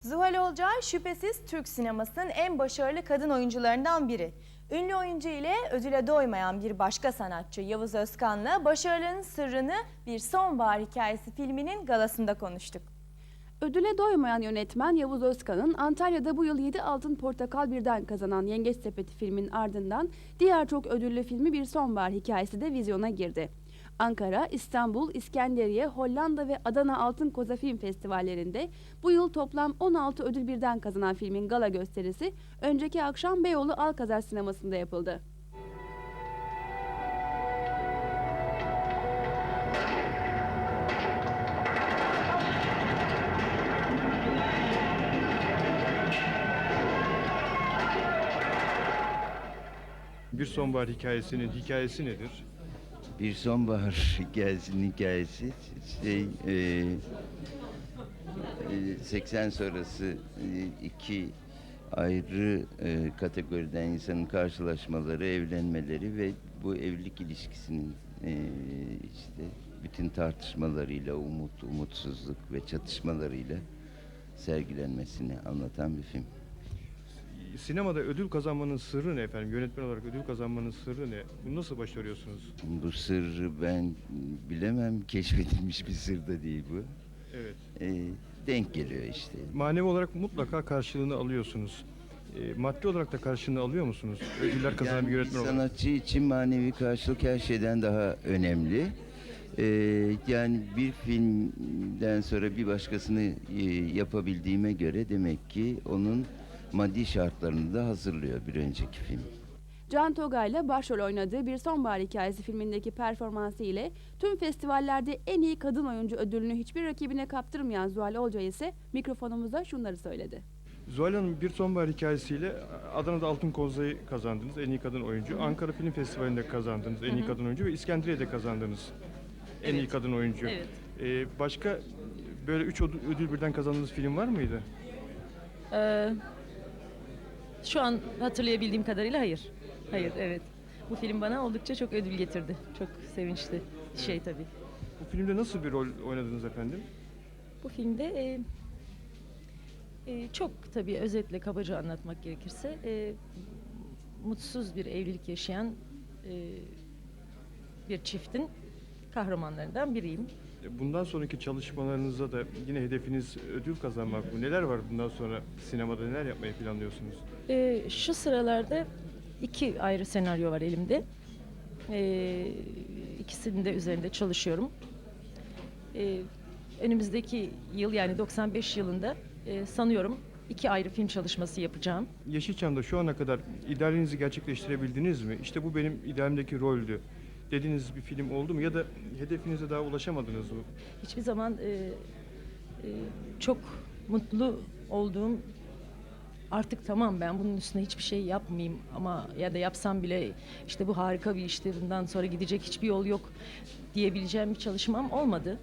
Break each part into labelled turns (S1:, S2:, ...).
S1: Zuhal Olcay şüphesiz Türk sinemasının en başarılı kadın oyuncularından biri. Ünlü oyuncu ile ödüle doymayan bir başka sanatçı Yavuz Özkan'la başarılarının sırrını Bir Sonbahar Hikayesi filminin galasında konuştuk.
S2: Ödüle doymayan yönetmen Yavuz Özkan'ın Antalya'da bu yıl 7 Altın Portakal birden kazanan Yengeç Sepeti filmin ardından diğer çok ödüllü filmi Bir Sonbahar Hikayesi de vizyona girdi. Ankara, İstanbul, İskenderiye, Hollanda ve Adana Altın Koza Film Festivallerinde bu yıl toplam 16 ödül birden kazanan filmin gala gösterisi önceki akşam Beyoğlu Alkazar Sineması'nda yapıldı.
S3: Bir Sonbahar Hikayesi'nin hikayesi nedir?
S4: Bir Sonbahar Hikayesi'nin hikayesi 80 sonrası iki ayrı kategoriden insanın karşılaşmaları, evlenmeleri ve bu evlilik ilişkisinin işte bütün tartışmalarıyla, umutsuzluk ve çatışmalarıyla sergilenmesini anlatan bir film.
S3: Sinemada ödül kazanmanın sırrı ne efendim? Yönetmen olarak ödül kazanmanın sırrı ne? Bunu nasıl başarıyorsunuz?
S4: Bu sırrı ben bilemem, keşfedilmiş bir sır da değil bu.
S3: Evet.
S4: Denk geliyor işte.
S3: Manevi olarak mutlaka karşılığını alıyorsunuz. Maddi olarak da karşılığını alıyor musunuz? Ödüller kazanan bir yönetmen olarak.
S4: Sanatçı için manevi karşılık her şeyden daha önemli. Yani bir filmden sonra bir başkasını yapabildiğime göre demek ki onun maddi şartlarını da hazırlıyor bir önceki film.
S2: Can Togay'la başrol oynadığı Bir Sonbahar Hikayesi filmindeki performansı ile tüm festivallerde en iyi kadın oyuncu ödülünü hiçbir rakibine kaptırmayan Zuhal Olcay ise mikrofonumuzda şunları söyledi.
S3: Zuhal Hanım, Bir Sonbahar Hikayesi'yle Adana'da Altın Koza'yı kazandınız, en iyi kadın oyuncu. Ankara Film Festivali'nde kazandınız, en iyi kadın oyuncu ve İskenderiye'de kazandınız, en iyi kadın oyuncu.
S5: Evet.
S3: Başka böyle 3 ödül birden kazandığınız film var mıydı?
S5: Şu an hatırlayabildiğim kadarıyla hayır. Hayır, evet. Bu film bana oldukça çok ödül getirdi. Çok sevinçli bir şey tabii.
S3: Bu filmde nasıl bir rol oynadınız efendim?
S5: Bu filmde çok tabii özetle kabaca anlatmak gerekirse mutsuz bir evlilik yaşayan bir çiftin kahramanlarından biriyim.
S3: Bundan sonraki çalışmalarınızda da yine hedefiniz ödül kazanmak mı? Neler var bundan sonra sinemada, neler yapmayı planlıyorsunuz?
S5: Şu sıralarda 2 ayrı senaryo var elimde. İkisinin de üzerinde çalışıyorum. Önümüzdeki yıl yani 95 yılında sanıyorum 2 ayrı film çalışması yapacağım.
S3: Yeşilçam'da şu ana kadar idealinizi gerçekleştirebildiniz mi? İşte bu benim idealimdeki roldü dediğiniz bir film oldu mu? Ya da hedefinize daha ulaşamadınız mı?
S5: Hiçbir zaman çok mutlu olduğum, artık tamam ben bunun üstüne hiçbir şey yapmayayım ama ya da yapsam bile işte bu harika bir işti, bundan sonra gidecek hiçbir yol yok diyebileceğim bir çalışmam olmadı.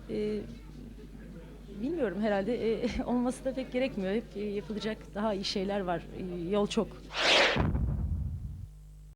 S5: Bilmiyorum, herhalde olması da pek gerekmiyor. Hep yapılacak daha iyi şeyler var. Yol çok.